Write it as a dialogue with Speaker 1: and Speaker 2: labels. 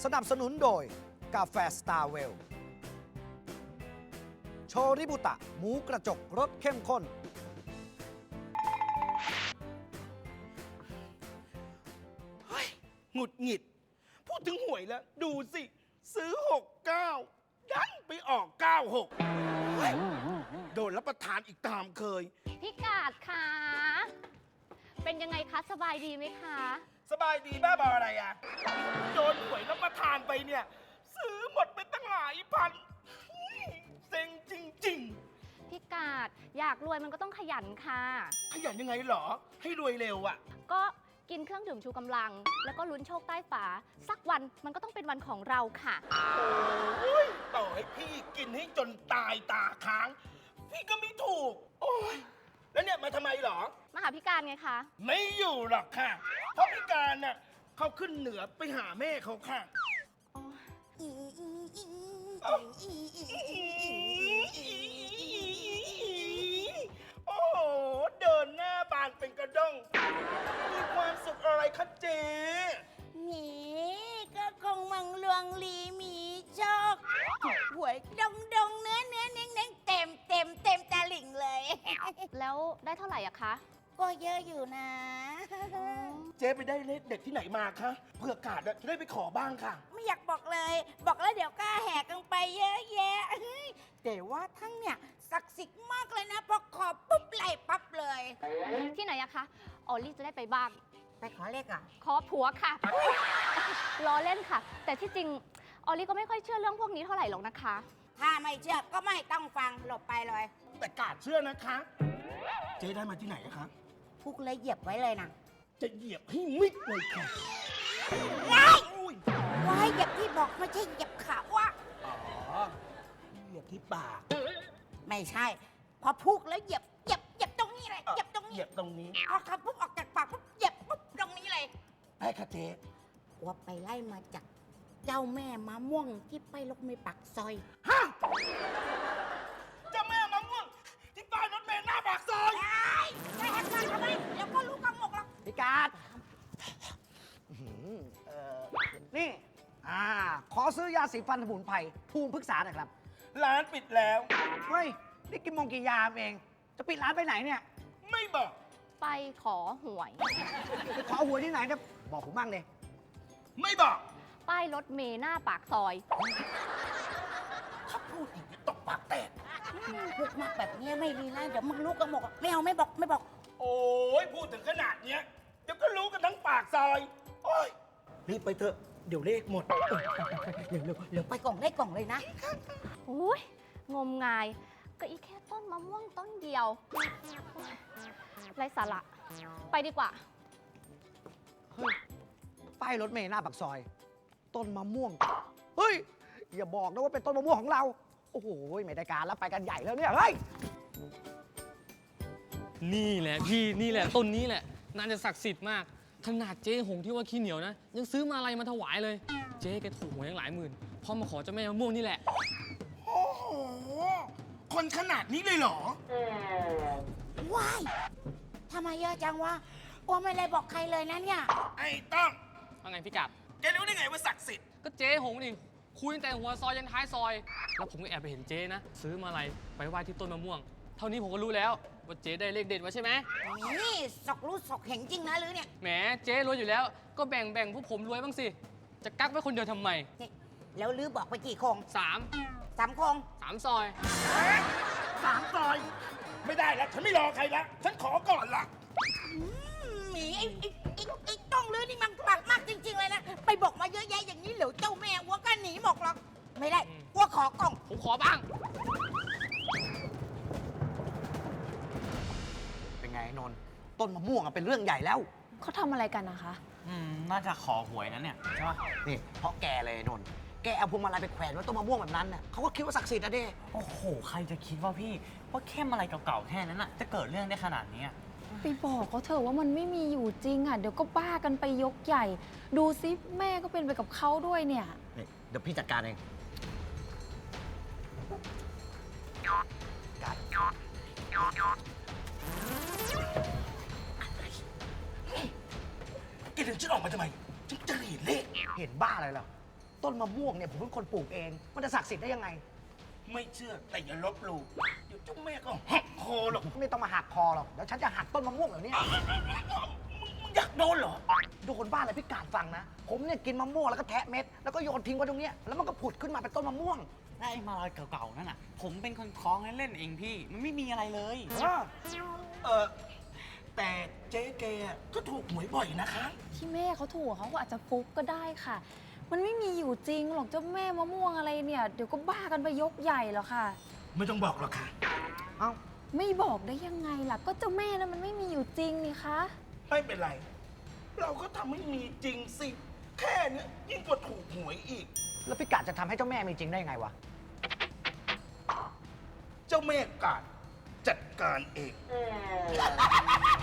Speaker 1: สนับสนุนโดยกาแฟสตาร์เวลโชริบุตะหมูกระจกรสเข้มข้น
Speaker 2: เฮ้ยหงุดหงิด พูดถึงหวยแล้ว ดูสิ ซื้อ 69 ดันไปออก 96เฮ้ยโดนรับประทานอีกตามเคย
Speaker 3: พี่กาดคะเป็นยังไงคะสบายดีไหมคะ
Speaker 2: สบายดีบ้าบออะไรอ่ะ โดนหวยรับประทานไปเนี่ย ซื้อหมดไปตั้งหลายพันเซ็งจริง
Speaker 3: พี่กาดอยากรวยมันก็ต้องขยันค่ะ
Speaker 2: ๆ ขยันยังไงเหรอ ให้รวยเร็วอ่ะ
Speaker 3: ก็กินเครื่องดื่มชูกำลัง แล้วก็ลุ้นโชคใต้ฝา สักวันมันก็ต้องเป็นวันของเราค่ะ
Speaker 2: โอ้ยต่อให้พี่กินให้จนตายตาค้าง พี่ก็ไม่ถูก โอ้ยแล้วเนี่ยมาทำไมเหรอ
Speaker 3: มาหาพี่การไงคะ
Speaker 2: ไม่อยู่หรอกค่ะ เพราะพี่การน่ะเขาขึ้นเหนือไปหาแม่เขาค่ะ โอ้โห เดินหน้าบานเป็นกระด้ง มีความสุขอะไรคะเจ๊
Speaker 4: หมีก็คงมังลวงลีมีโชคหวยดงเนื้อเน้งเต็มตาหลิงเลย
Speaker 3: แล้วได้เท่าไหร่อะคะ
Speaker 4: ก็เยอะอยู่นะ
Speaker 2: เจ๊ไปได้เลขเด็ดที่ไหนมาคะเผื่อกาดอะจะได้ไปขอบ้างค่ะ
Speaker 4: ไม่อยากบอกเลย บอกแล้วเดี๋ยวก็แหกกันไปเยอะแยะแต่ว่าทั้งเนี่ยศักดิ์สิทธิ์มากเลยนะพอขอปุ๊บไหลปั๊บเลย
Speaker 3: ที่ไหนอะคะออลลี่จะได้ไปบ้าง
Speaker 4: ไปขอเลขอ่ะ
Speaker 3: ขอผัวค่ะ ล้อเล่นค่ะ แต่ที่จริงออลลี่ก็ไม่ค่อยเชื่อเรื่องพวกนี้เท่าไหร่หรอกนะคะ
Speaker 4: ถ้าไม่เชื่อก็ไม่ต้องฟังหลบไปเลย
Speaker 2: แต่กาดเชื่อนะคะ เจ๊ได้มาที่ไหนอะคะ
Speaker 4: พุกเลยเหยียบไว้เลยนะ
Speaker 2: จะเหยียบให้มิดเลยค่ะ
Speaker 4: ไล่
Speaker 2: อุ้ย
Speaker 4: ว่าให้เหยียบที่บอกไม่ใช่เหยียบขาว่า
Speaker 2: อ๋อ เหยียบที่ปาก
Speaker 4: ไม่ใช่ พอพุกแล้วเหยียบตรงนี้เลยเหยียบตรง
Speaker 2: เห
Speaker 4: นี้
Speaker 2: ยียบตรงนี้
Speaker 4: พอคำปุ๊บออกจากปากปุ๊บเหยียบปุ๊บตรงนี้เลย
Speaker 2: ได้ค่ะเจ๊
Speaker 4: ว่าไปไล่มาจากเจ้าแม่มะม่วงที่ไปลกไม่ปักซอย
Speaker 2: ฮะเจ้าแม่มะม่วงที่ป้ายรถเมล์หน้าปากซอย
Speaker 4: ได้แหกปากทำไมเดี๋ยวก็รู้กำหมกหรอก
Speaker 1: พิการ์ดนี่ ขอซื้อยาสีฟันสมุนไพรภูมิพฤกษาหน่อยครับ
Speaker 2: ร้านปิดแล้ว
Speaker 1: เฮ้ย นี่กี่โมงกี่ยามเอง จะปิดร้านไปไหนเนี่ย
Speaker 2: ไม่บอก
Speaker 3: ไปขอหวย
Speaker 1: ไปขอหวยที่ไหนเนี่ยบอกผมบ้างเลย
Speaker 2: ไม่บอก
Speaker 3: ป้ายรถเมล์หน้าปากซอย
Speaker 2: ถ้าพูดอีกจะตกปากแตก
Speaker 4: พูดมากแบบนี้ไม่ดีนะเดี๋ยวมึงรู้กำหมกไม่เอาไม่บอก
Speaker 2: โอ้ยพูดถึงขนาดเนี้ยเดี๋ยวก็รู้กันทั้งปากซอย โอ้ยรีบไปเถอะ เดี๋ยวเลขหมด
Speaker 4: เดี๋ยวไปกล่องได้กล่องเลยนะ
Speaker 3: อุ้ยงมงาย ก็อีแค่ต้นมะม่วงต้นเดียวไรสาระ ไปดีกว่า
Speaker 1: เฮ้ย ป้ายรถเมล์หน้าปากซอย ต้นมะม่วง เฮ้ย อย่าบอกนะว่าเป็นต้นมะม่วงของเรา โอ้โห ไม่ได้การแล้วไปกันใหญ่แล้วเนี่ย เฮ้ย
Speaker 5: นี่แหละพี่นี่แหละต้นนี้แหละน่าจะศักดิ์สิทธิ์มาก ขนาดเจ๊หงที่ว่าขี้เหนียวนะ ยังซื้อมาอะไรมาถวายเลย เจ๊แกถูกหวยตั้งหลายหมื่นพอมาขอเจ้าแม่มะม่วงนี่แหละ
Speaker 2: โอ้โห คนขนาดนี้เลยเหรอ
Speaker 4: ว้ายทำไมเยอะจังวะว่าไม่ได้บอกใครเลยนะเนี่ย
Speaker 2: ไอ้ต้อง
Speaker 5: ว่าไงพี่กัด
Speaker 2: แกรู้ได้ไงว่าศักดิ์สิทธิ์
Speaker 5: ก็เจ๊หงนี่คุยตั้งแต่หัวซอยยันท้ายซอย แล้วผมก็แอบไปเห็นเจ๊นะ ซื้อมาอะไรไปไหว้ที่ต้นมะม่วง เท่านี้ผมก็รู้แล้วว่าเจ๊ได้เลขเด็ดมาใช่ไหม
Speaker 4: นี่สอกรู้สอกเห็นจริงนะหรือเนี่ย
Speaker 5: แหมเจ๊รวยอยู่แล้ว ก็แบ่งพวกผมรวยบ้างสิ จะกักไว้คนเดียวทำไม
Speaker 4: นี่แล้วลือบอกไปกี่โคง
Speaker 5: สาม
Speaker 4: 3 โคง
Speaker 5: ซอย
Speaker 2: 3 ซอย ไม่ได้แล้ว ฉันไม่รอใครละ ฉันขอก่อนละ
Speaker 4: หมีไอ้ต้องลือนี่มันปากมากจริง ๆ เลยนะ ไปบอกมาเยอะแยะอย่างนี้เหลวเจ้าแม่วัวก็หนีหมกหรอก ไม่ได้วัวขอกล่อง
Speaker 5: ผมขอบ้าง
Speaker 1: เป็นไงนนท์ต้นมะม่วงอะเป็นเรื่องใหญ่แล้ว
Speaker 6: เขาทำอะไรกันนะคะ
Speaker 7: น่าจะขอหวยนั้นเนี่ยใช่ปะ
Speaker 1: นี่ เพราะแกเลยนนท์แกเอาพวงมาลัยไปแขวนไว้ต้นมะม่วงแบบนั้นน่ะเขาก็คิดว่าศักดิ์สิทธิ์นะเด้
Speaker 7: โอ้โห ใครจะคิดว่าพี่ ว่าแค่อะไรเก่าๆแค่นั้นน่ะ จะเกิดเรื่องได้ขนาดนี้อะ
Speaker 6: ไปบอกเขาเถอะว่ามันไม่มีอยู่จริงอ่ะ เดี๋ยวก็บ้ากันไปยกใหญ่ ดูซิแม่ก็เป็นไปกับเขาด้วยเนี่ย
Speaker 1: นี่เดี๋ยวพี่จัดการเอง
Speaker 2: แกดึงฉันออกมาทำไม ฉันจะเห็นเลข
Speaker 1: เห็นบ้าอะไรล่ะต้นมะม่วงเนี่ยผมเป็นคนปลูกเอง มันจะศักดิ์สิทธิ์ได้ยังไง
Speaker 2: ไม่เชื่อแต่อย่าลบหลู่เดี๋ยวเจ้าแม่ก็หักคอหรอก
Speaker 1: ไม่ต้องมาหักคอหรอก เดี๋ยวฉันจะหักต้นมะม่วงเหล่านี้
Speaker 2: มึงอยากโดนเหรอ
Speaker 1: ดูคนบ้านอะไรพี่กาดฟังนะ ผมเนี่ยกินมะม่วงแล้วก็แทะเม็ด แล้วก็โยนทิ้งไว้ตรงเนี้ยแล้วมันก็ผุดขึ้นมาเป็นต้นมะม่วง
Speaker 7: ได้มาลอยเก่าๆนั่นน่ะ ผมเป็นคนคล้องเล่นๆเองพี่ มันไม่มีอะไรเลย
Speaker 2: แต่เจ๊แกก็ถูกหวยบ่อยนะคะ
Speaker 6: ที่แม่เขาถูกเขาก็อาจจะฟุกก็ได้ค่ะ มันไม่มีอยู่จริงหรอกเจ้าแม่มะม่วงอะไรเนี่ย เดี๋ยวก็บ้ากันไปยกใหญ่แล้วค่ะ
Speaker 2: ไม่ต้องบอกหรอกค่ะ
Speaker 1: เอ้า
Speaker 6: ไม่บอกได้ยังไงล่ะ ก็เจ้าแม่นั้นมันไม่มีอยู่จริงนี่คะ
Speaker 2: ไม่เป็นไร เราก็ทำให้มีจริงสิ แค่เนี้ยยิ่งกว่าถูกหวยอีก
Speaker 1: แล้วพี่กาดจะทำให้เจ้าแม่มีจริงได้ยังไงวะ
Speaker 2: เจ้าแม่กาดจัดการเอง